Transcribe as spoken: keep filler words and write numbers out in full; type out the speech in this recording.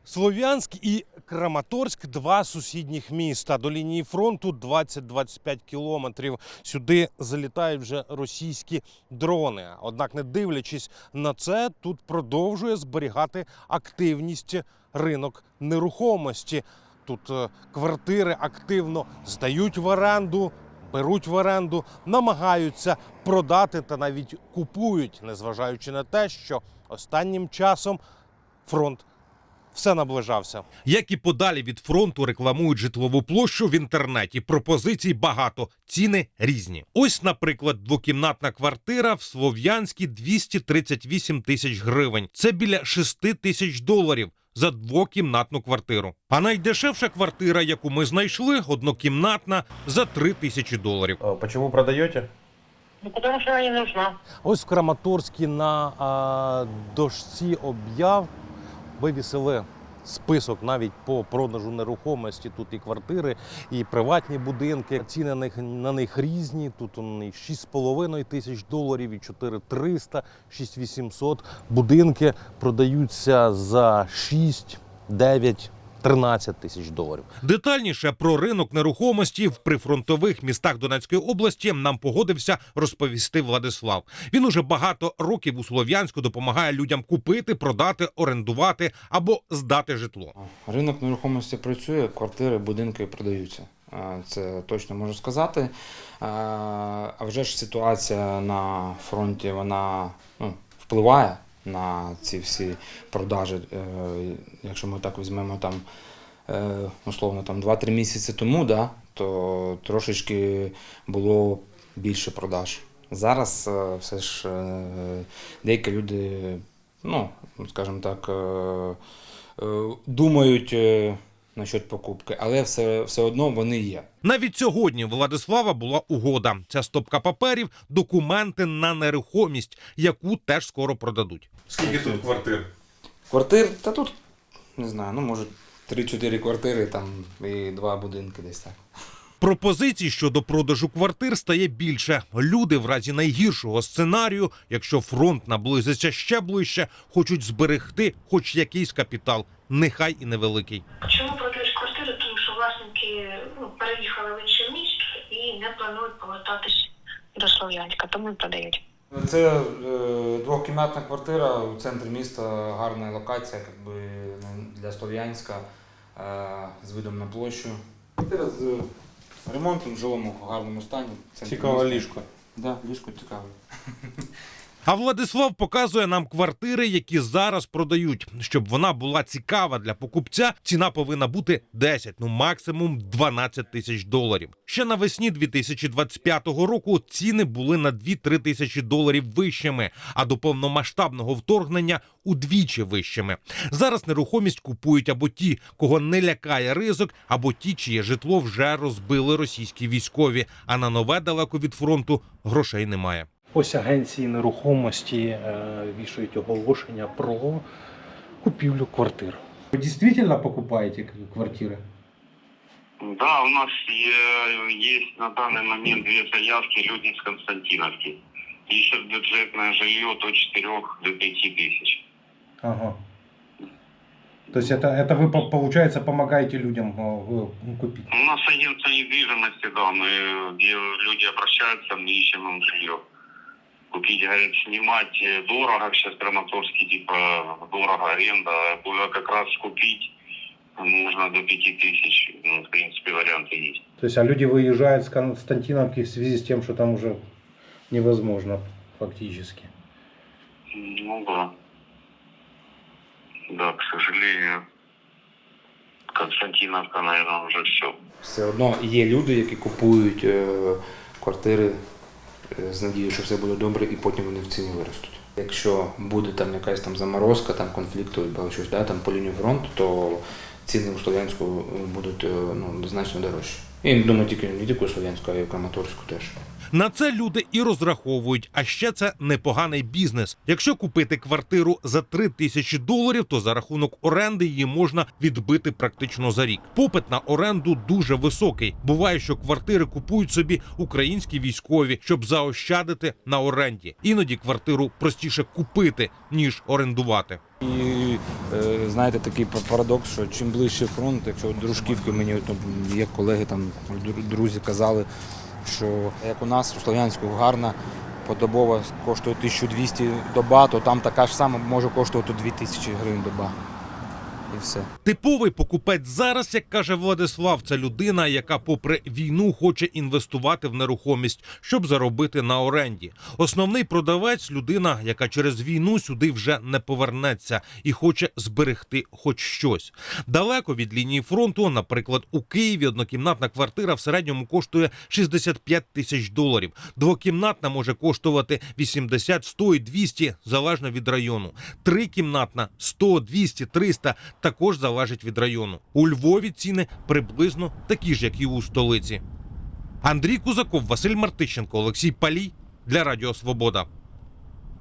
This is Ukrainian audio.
Слов'янськ і Краматорськ – два сусідніх міста. До лінії фронту двадцять - двадцять п'ять кілометрів. Сюди залітають вже російські дрони. Однак, не дивлячись на це, тут продовжує зберігати активність ринок нерухомості. Тут е, квартири активно здають в оренду, беруть в оренду, намагаються продати та навіть купують, незважаючи на те, що останнім часом фронт все наближався. Як і подалі від фронту рекламують житлову площу в інтернеті. Пропозицій багато, ціни різні. Ось, наприклад, двокімнатна квартира в Слов'янській – двісті тридцять вісім тисяч гривень. Це біля шести тисяч доларів за двокімнатну квартиру. А найдешевша квартира, яку ми знайшли, однокімнатна, за три тисячі доларів. А чому продаєте? Ну, потому что она не нужна. Ось в Краматорській на а, дошці об'яв вивісили список навіть по продажу нерухомості. Тут і квартири, і приватні будинки. Ціни на них, на них різні. Тут вони шість з половиною тисяч доларів, і чотири тисячі триста, шість тисяч вісімсот. Будинки продаються за шість, дев'ять, тринадцять тисяч доларів. Детальніше про ринок нерухомості в прифронтових містах Донецької області нам погодився розповісти Владислав. Він уже багато років у Слов'янську допомагає людям купити, продати, орендувати або здати житло. Ринок нерухомості працює, квартири, будинки продаються. Це точно можу сказати. А вже ж ситуація на фронті, вона ну, впливає на ці всі продажі. Якщо ми так візьмемо там, условно, там два-три місяці тому, да, то трошечки було більше продаж. Зараз все ж деякі люди, ну, скажімо так, думають насчет покупки, але все, все одно вони є. Навіть сьогодні у Владислава була угода. Ця стопка паперів – документи на нерухомість, яку теж скоро продадуть. Скільки тут квартир? Квартир? Та тут, не знаю, ну, може, три-чотири квартири там і два будинки десь так. Пропозицій щодо продажу квартир стає більше. Люди в разі найгіршого сценарію, якщо фронт наблизиться ще ближче, хочуть зберегти хоч якийсь капітал, нехай і невеликий. Чому продають квартири? Тому що власники ну, переїхали в інше місто і не планують повертатися до Слов'янська, тому і продають. Це е, двокімнатна квартира у центрі міста, гарна локація якби, для Слов'янська, е, з видом на площу. Квартира з ремонтом, в жилому гарному стані. Цікаве ліжко. Так, да, ліжко цікаве. А Владислав показує нам квартири, які зараз продають. Щоб вона була цікава для покупця, ціна повинна бути десять, ну максимум дванадцять тисяч доларів. Ще навесні дві тисячі двадцять п'ятого року ціни були на дві-три тисячі доларів вищими, а до повномасштабного вторгнення удвічі вищими. Зараз нерухомість купують або ті, кого не лякає ризик, або ті, чиє житло вже розбили російські військові, а на нове далеко від фронту грошей немає. Ось агенції нерухомості е, вішають оголошення про купівлю квартир. Вы действительно покупаете квартиры? Да, у нас е- есть на данный момент две заявки, люди с Константиновки. Ищут бюджетное жилье до четырёх до пяти тысяч. Ага. То есть это, это вы, по- получается, помогаете людям э, купить? У нас агентство недвижимости, да, мы, где люди обращаются, мы ищем им жилье. Купить, говорят, снимать дорого, сейчас в Краматорске, типа, дорого аренда, а как раз купить можно до пяти тысяч, ну, в принципе, варианты есть. То есть, а люди выезжают с Константиновки в связи с тем, что там уже невозможно фактически? Ну да. Да, к сожалению, Константиновка, наверное, уже все. Все одно є люди, які купують е, квартири е, з надією, що все буде добре, і потім вони в ціні виростуть. Якщо буде там якась там заморозка, там конфлікту або щось, да, там по лінії фронту, то ціни у Слов'янську будуть е, ну, значно дорожчі. І не думаю, тільки не тільки у Слов'янську, а й у Краматорську теж. На це люди і розраховують, а ще це непоганий бізнес. Якщо купити квартиру за три тисячі доларів, то за рахунок оренди її можна відбити практично за рік. Попит на оренду дуже високий. Буває, що квартири купують собі українські військові, щоб заощадити на оренді. Іноді квартиру простіше купити, ніж орендувати. І е, знаєте, такий парадокс, що чим ближче фронт, якщо от дружківки мені от, є колеги, там дру- друзі казали, що як у нас у Слов'янську гарна подобова коштує тисячу двісті доба, то там така ж сама може коштувати дві тисячі гривень доба. І все. Типовий покупець зараз, як каже Владислав, це людина, яка попри війну хоче інвестувати в нерухомість, щоб заробити на оренді. Основний продавець – людина, яка через війну сюди вже не повернеться і хоче зберегти хоч щось. Далеко від лінії фронту, наприклад, у Києві однокімнатна квартира в середньому коштує шістдесят п'ять тисяч доларів. Двокімнатна може коштувати вісімдесят, сто і двісті, залежно від району. Трикімнатна – сто, двісті, триста – також залежить від району. У Львові ціни приблизно такі ж, як і у столиці. Андрій Кузаков, Василь Мартищенко, Олексій Палій для Радіо Свобода.